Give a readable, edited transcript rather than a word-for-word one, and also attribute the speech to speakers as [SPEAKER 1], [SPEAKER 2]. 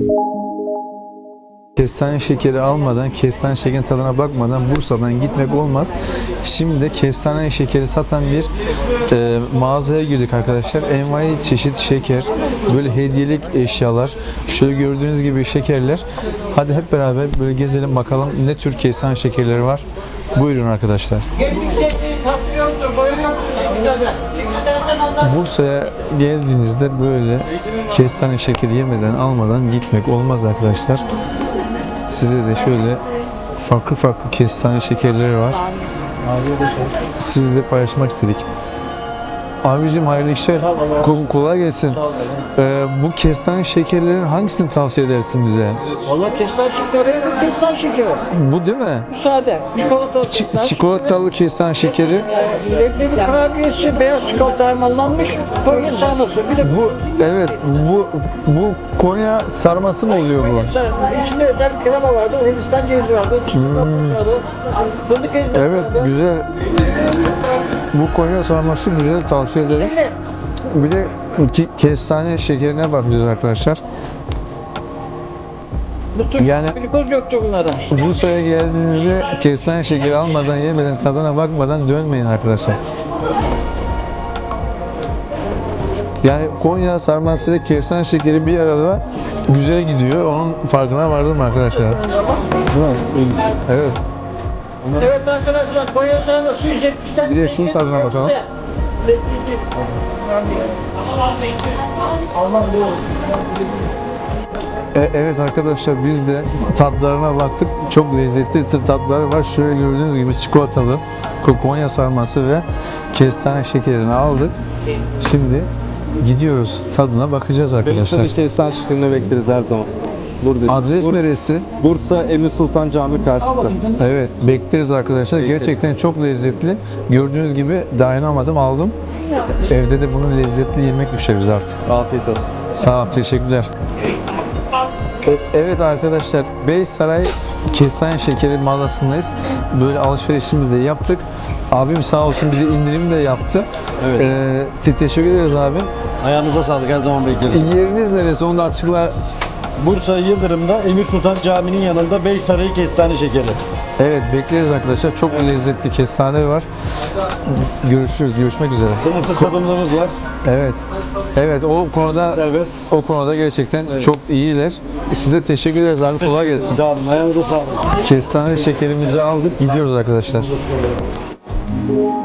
[SPEAKER 1] Kestane şekeri almadan, kestane şekerin tadına bakmadan Bursa'dan gitmek olmaz. Şimdi de kestane şekeri satan bir mağazaya girdik arkadaşlar. Envai çeşit şeker, böyle hediyelik eşyalar, şöyle gördüğünüz gibi şekerler. Hadi hep beraber böyle gezelim bakalım ne tür kestane şekerleri var. Buyurun arkadaşlar. Bursa'ya geldiğinizde böyle kestane şekeri yemeden, almadan gitmek olmaz arkadaşlar. Size de şöyle farklı kestane şekerleri var. Sizle paylaşmak istedik. Abicim hayırlı işler. Kolay gelsin. Bu kestane şekerlerin hangisini tavsiye edersin bize?
[SPEAKER 2] Valla kestane şekeri.
[SPEAKER 1] Bu değil mi?
[SPEAKER 2] Sade.
[SPEAKER 1] Çikolatalı kestane şekeri.
[SPEAKER 2] Leblebi kurabiyesi, beyaz çikolata harmanlanmış, Konya sarması. Bir de
[SPEAKER 1] Bu evet, bu Konya sarması mı oluyor bu?
[SPEAKER 2] İçinde özel krema vardı, Hindistan cevizi vardı, vardı, fındık ezmesi
[SPEAKER 1] Evet,
[SPEAKER 2] vardı.
[SPEAKER 1] güzel. Bu Konya sarması güzel, tavsiye ederim. Bir de kestane şekerine bakacağız arkadaşlar. Yani
[SPEAKER 2] Glikoz yoktu bunlarda.
[SPEAKER 1] Bursa'ya geldiğinizde kestane şekeri almadan, yemeden, tadına bakmadan dönmeyin arkadaşlar. Yani Konya sarması ile kestane şekeri bir arada güzel gidiyor. Onun farkına vardım arkadaşlar. Evet.
[SPEAKER 2] Evet arkadaşlar, Konya sarması 170'ten.
[SPEAKER 1] Bir de şunun tadına bakalım. Evet arkadaşlar, biz de tatlarına baktık. Çok lezzetli tatları var. Şöyle gördüğünüz gibi çikolatalı Konya sarması ve kestane şekerini aldık. Şimdi gidiyoruz. Tadına bakacağız arkadaşlar.
[SPEAKER 3] Benim kestane şekerini bekleriz her zaman. Burada.
[SPEAKER 1] Adres neresi?
[SPEAKER 3] Bursa Emir Sultan Camii karşısı.
[SPEAKER 1] Evet, bekleriz arkadaşlar. Gerçekten çok lezzetli. Gördüğünüz gibi dayanamadım, aldım. Evde de bunu lezzetli yemek düşeriz artık.
[SPEAKER 3] Afiyet olsun.
[SPEAKER 1] Sağ ol, teşekkürler. Evet arkadaşlar, Beysaray Kestane Şekeri mağazasındayız. Böyle alışverişimizi de yaptık. Abim sağ olsun bize indirim de yaptı.
[SPEAKER 3] Evet.
[SPEAKER 1] Teşekkür ederiz abi.
[SPEAKER 3] Ayağınıza sağlık, her zaman bekleriz.
[SPEAKER 1] Yeriniz neresi? Onu da açıkla.
[SPEAKER 3] Bursa Yıldırım'da Emir Sultan Camii'nin yanında Beysaray Kestane Şekeri.
[SPEAKER 1] Evet, bekleriz arkadaşlar. Çok lezzetli kestane var. Görüşürüz. Görüşmek üzere.
[SPEAKER 3] Sınırsız tadımlarımız var.
[SPEAKER 1] Evet. Evet,
[SPEAKER 3] Serbest.
[SPEAKER 1] o konuda gerçekten çok iyiler. Size teşekkür ederiz abi. Kolay gelsin.
[SPEAKER 3] Sağ olun, ayağınıza sağlık.
[SPEAKER 1] Kestane şekerimizi aldık. Gidiyoruz arkadaşlar.